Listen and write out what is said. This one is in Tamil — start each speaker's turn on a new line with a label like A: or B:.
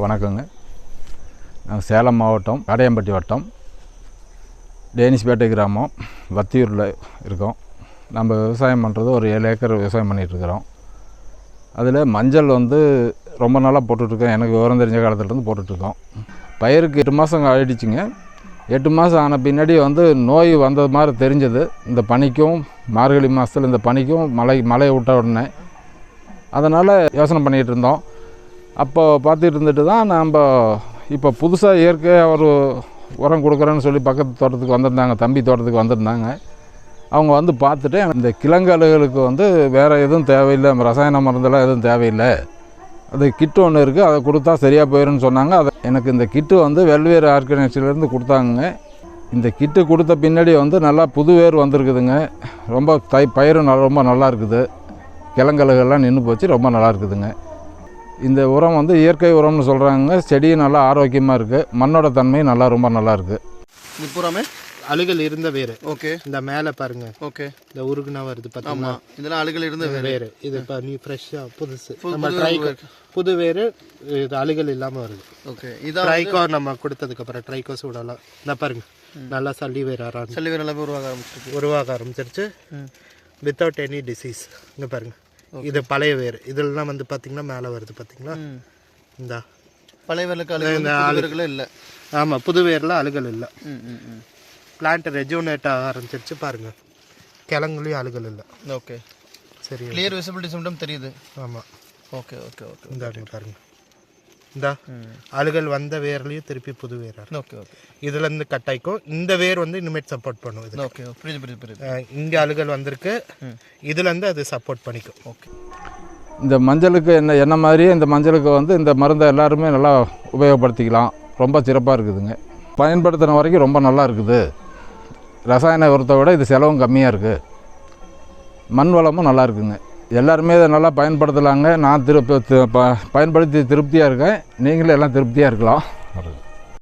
A: வணக்கங்க. நாங்கள் சேலம் மாவட்டம் காடையம்பட்டி வட்டம் டேனிஷ்பேட்டை கிராமம் வத்தியூரில் இருக்கோம். நம்ம விவசாயம் பண்ணுறது ஒரு 7 ஏக்கர் விவசாயம் பண்ணிகிட்ருக்குறோம். அதில் மஞ்சள் ரொம்ப நாளாக போட்டுட்ருக்கோம். எனக்கு விவரம் தெரிஞ்ச காலத்துலேருந்து போட்டுட்ருக்கோம். பயிருக்கு 8 மாதம் ஆகிடுச்சிங்க. 8 மாதம் ஆன பின்னாடி நோய் வந்தது மாதிரி தெரிஞ்சது. இந்த பனிக்கும் மார்கழி மாதத்தில் இந்த பனிக்கும் மழையை விட்ட உடனே அதனால் யோசனை பண்ணிகிட்டு இருந்தோம். அப்போ பார்த்துட்டு இருந்துட்டு தான் நம்ம இப்போ புதுசாக இயற்கையாக ஒரு உரம் கொடுக்குறேன்னு சொல்லி பக்கத்து தோட்டத்துக்கு வந்திருந்தாங்க, தம்பி தோட்டத்துக்கு வந்திருந்தாங்க. அவங்க பார்த்துட்டு இந்த கிழங்கலுகளுக்கு வேறு எதுவும் தேவையில்லை, ரசாயன மருந்தெல்லாம் எதுவும் தேவையில்லை, அது கிட்டு ஒன்று இருக்குது, அதை கொடுத்தா சரியாக போயிடும்னு சொன்னாங்க. எனக்கு இந்த கிட்டு வெல்வேறு ஆர்கனைசேஷன்லேருந்து கொடுத்தாங்க. இந்த கிட்டு கொடுத்த பின்னாடி நல்லா புது வேர் வந்திருக்குதுங்க. ரொம்ப பயிரும் ரொம்ப நல்லா இருக்குது. கிழங்கலுகள்லாம் நின்று போச்சு, ரொம்ப நல்லா இருக்குதுங்க. இந்த உரம் இயற்கை உரம்னு சொல்கிறாங்க. செடியும் நல்லா ஆரோக்கியமாக இருக்குது. மண்ணோட தன்மையும் ரொம்ப நல்லா இருக்குது.
B: இது பூராமே அழுகல் இருந்த வேறு.
C: ஓகே,
B: இந்த மேலே பாருங்க. ஓகே, இந்த உருகுனா வருது பார்த்தீங்களா? இதெல்லாம் அழுகல் இருந்த வேறு. இது இப்போ நீ ஃப்ரெஷ்ஷாக புதுசு புது வேறு. இது அழுகல் இல்லாமல் வருது. ஓகே, இதான் ட்ரைகோ நம்ம கொடுத்ததுக்கப்புறம் ட்ரைகோ சூடெல்லாம் இந்த பாருங்க நல்லா சல்லி வேறு எல்லாமே உருவாக ஆரம்பிச்சிருச்சு வித்தவுட் எனி டிசீஸ். இங்கே பாருங்க, இது பழைய வேர். இதெல்லாம் பார்த்தீங்கன்னா மேலே வருது பார்த்தீங்களா? இந்த பழைய வேர்களுக்கு இல்லை. ஆமாம், புது வேரில் அழுகல் இல்லை. பிளான்ட் ரெஜுனேட் ஆக ஆரம்பிச்சிருச்சு பாருங்க. கிழங்குலையும் அழுகல் இல்லை. ஓகே, சரி, கிளியர் விசிபிலிட்டி சிம்டம் தெரியுது. ஆமாம், ஓகே ஓகே ஓகே. இந்த பாருங்க, இந்த அழுகல் வந்த வேர்லையும் திருப்பி புது வேர். Okay okay. இதுலேருந்து கட் ஆகிக்கும். இந்த வேர் இனிமேட் சப்போர்ட் பண்ணும். இது ஓகே, புரியுது. இங்கே அழுகல் வந்திருக்கு, இதுலேருந்து அது சப்போர்ட் பண்ணிக்கும். ஓகே.
A: இந்த மஞ்சளுக்கு என்ன மாதிரியே இந்த மஞ்சளுக்கு இந்த மருந்தை எல்லாருமே நல்லா உபயோகப்படுத்திக்கலாம். ரொம்ப சிறப்பாக இருக்குதுங்க. பயன்படுத்தின வரைக்கும் ரொம்ப நல்லா இருக்குது. ரசாயன உரத்தை விட இது செலவும் கம்மியாக இருக்குது. மண் வளமும் நல்லா இருக்குதுங்க. எல்லாருமே இதை நல்லா பயன்படுத்தலாங்க. நான் பயன்படுத்தி திருப்தியாக இருக்கேன். நீங்களும் எல்லாம் திருப்தியாக இருக்கலாம்.